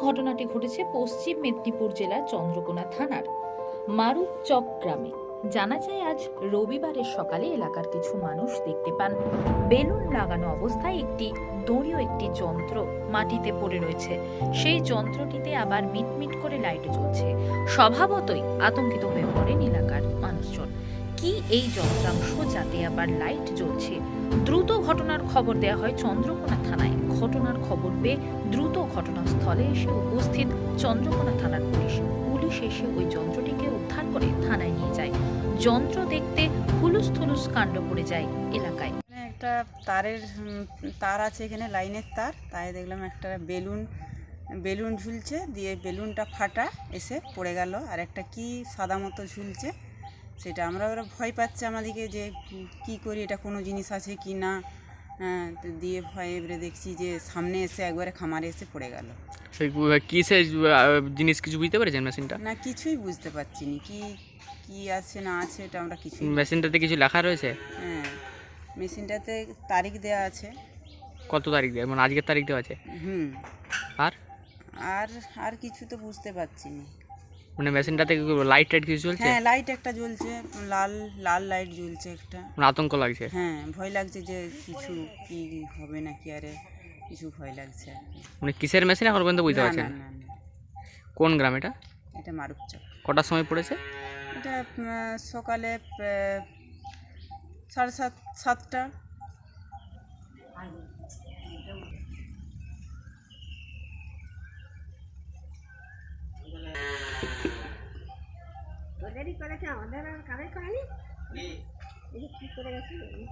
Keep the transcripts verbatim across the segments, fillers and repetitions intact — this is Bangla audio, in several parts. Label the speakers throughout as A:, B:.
A: ঘটনাটি ঘটেছে পশ্চিম মেদিনীপুর জেলার চন্দ্রকোনা থানার মারুপচক গ্রামে। জানা যায়, আজ রবিবারের সকালে এলাকার কিছু মানুষ দেখতে পান বেলুন লাগানো অবস্থায় একটি দড়িও একটি যন্ত্র মাটিতে পড়ে রয়েছে। সেই যন্ত্রটিতে আবার মিটমিট করে লাইট জ্বলছে। স্বভাবতই আতঙ্কিত হয়ে পড়েন এলাকার মানুষজন। কি এই যন্ত্রাংশ যাতে আবার লাইট জ্বলছে? দ্রুত ঘটনার খবর দেওয়া হয় চন্দ্রকোনা থানায়। ঘটনার খবর পেয়ে দ্রুত ঘটনাস্থলে এসে উপস্থিত চন্দ্রকোনা থানার পুলিশ। পুলিশ এসে ওই যন্ত্রটিকে উদ্ধার করে থানায় নিয়ে যায়। যন্ত্র দেখতে হুলুস থুলুস কাণ্ড পড়ে যায় এলাকায়।
B: একটা তারের তার আছে, এখানে লাইনের তার, তাই দেখলাম একটা বেলুন বেলুন ঝুলছে, দিয়ে বেলুনটা ফাটা এসে পড়ে গেল। আর একটা কি সাদা মতো ঝুলছে, সেটা আমরা ওরা ভয় পাচ্ছে আমাদেরকে যে কি করি, এটা কোনো জিনিস আছে কি না। হ্যাঁ, দিয়ে ভয় এবারে দেখছি যে সামনে এসে একবারে খামারে এসে পড়ে গেল।
C: সেই কিসের জিনিস কিছু বুঝতে পেরেছেন মেশিনটা?
B: না, কিছুই বুঝতে পারছি না কি কি আছে না আছে, এটা আমরা কিছুই।
C: মেশিনটাতে কিছু লেখা রয়েছে?
B: হ্যাঁ, মেশিনটাতে তারিখ দেওয়া আছে।
C: কত তারিখ দেওয়া, মানে আজকের তারিখ দেওয়া আছে?
B: হুম।
C: আর
B: আর আর কিছু তো বুঝতে পারছি না।
C: মানে মেশিনটাতে লাইট টাইট কিছু জ্বলছে?
B: হ্যাঁ, লাইট একটা জ্বলছে, লাল লাল লাইট জ্বলছে একটা।
C: মানে আতঙ্ক লাগছে?
B: হ্যাঁ, ভয় লাগছে যে কিছু কি হবে নাকি, আরে কিছু ভয় লাগছে আর কি।
C: মানে কিসের মেশিন এখন পর্যন্ত বুঝতে
B: না,
C: পারছেন?
B: না, না, না,
C: কোন গ্রাম এটা?
B: এটা মারুপচক।
C: কটার সময় পড়েছে?
B: এটা আহ, সকালে আহ, সাড়ে সাত সাতটা।
D: ওদেরই করেছে, আমাদের আর কারোই করেনি। কি করে গেছে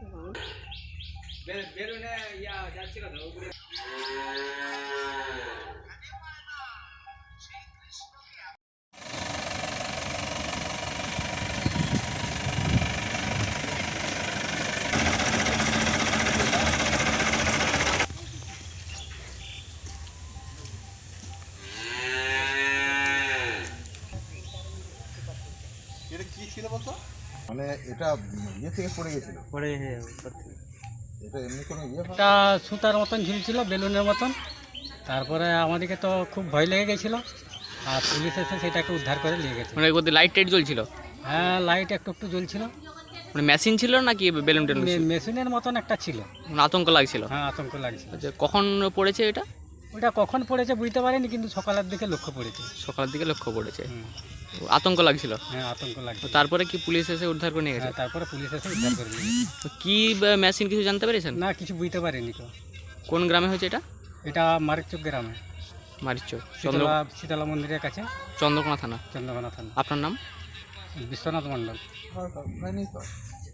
E: এটা কি ছিল বলতো? মানে এটা ইয়ে থেকে পড়ে গেছিল?
F: পড়ে
E: এটা এমনি কোনো ইয়ে?
F: একটা সুতার মতন ঝুলছিল, বেলুনের মতন। তারপরে আমাদেরকে তো খুব ভয় লেগে গেছিলো, আর পুলিশ এসে সেটাকে উদ্ধার করে নিয়ে গেছে।
C: মানে ওদের লাইট টাইট জ্বলছিল?
F: হ্যাঁ, লাইট একটু একটু জ্বলছিল।
C: মানে মেশিন ছিল নাকি বেলুন টেলুন?
F: মে- মেশিনের মতন একটা ছিল।
C: মানে আতঙ্ক লাগছিল?
F: হ্যাঁ, আতঙ্ক লাগছিল।
C: আচ্ছা, কখন পড়েছে এটা?
F: ওটা কখন পড়েছে বুঝতে পারিনি, কিন্তু সকালের দিকে লক্ষ্য পড়েছে।
C: সকালের দিকে লক্ষ্য পড়েছে।
F: হুম।
C: আতঙ্ক লাগছিল?
F: হ্যাঁ, আতঙ্ক
C: তো
F: লাগছিল।
C: তারপরে কি পুলিশ এসে উদ্ধার করে নিয়ে গেছে?
F: হ্যাঁ, তারপরে পুলিশ এসে উদ্ধার করে নিয়ে গেছে।
C: তো কি মেশিন কিছু জানতে পেরেছেন?
F: না, কিছু বুঝতে পারিনি তো।
C: কোন গ্রামে হয়েছে এটা?
F: এটা মারিকচক গ্রামে,
C: মারিচক, চন্দ্র
F: শীতলা শীতলা মন্দিরের কাছে,
C: চন্দ্রকোনা থানা।
F: চন্দ্রকোনা থানা।
C: আপনার নাম?
F: বিশ্বনাথ মণ্ডল।
E: হয়নি তো।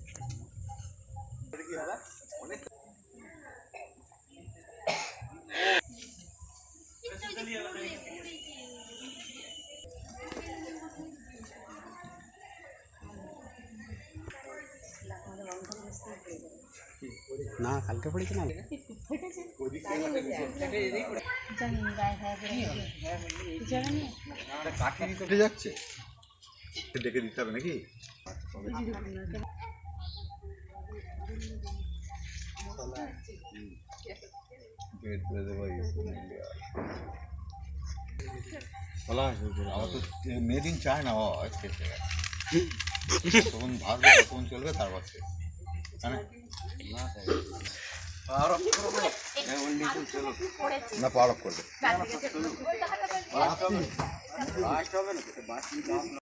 F: না, কালকে পড়েছে না।
E: উঠে যাচ্ছে, ডেকে দিতে হবে নাকি? আমার তো মেড ইন চায়না হয়, তখন ভাববে কতক্ষণ চলবে, তারপর না পাওয়ার অফ করবে।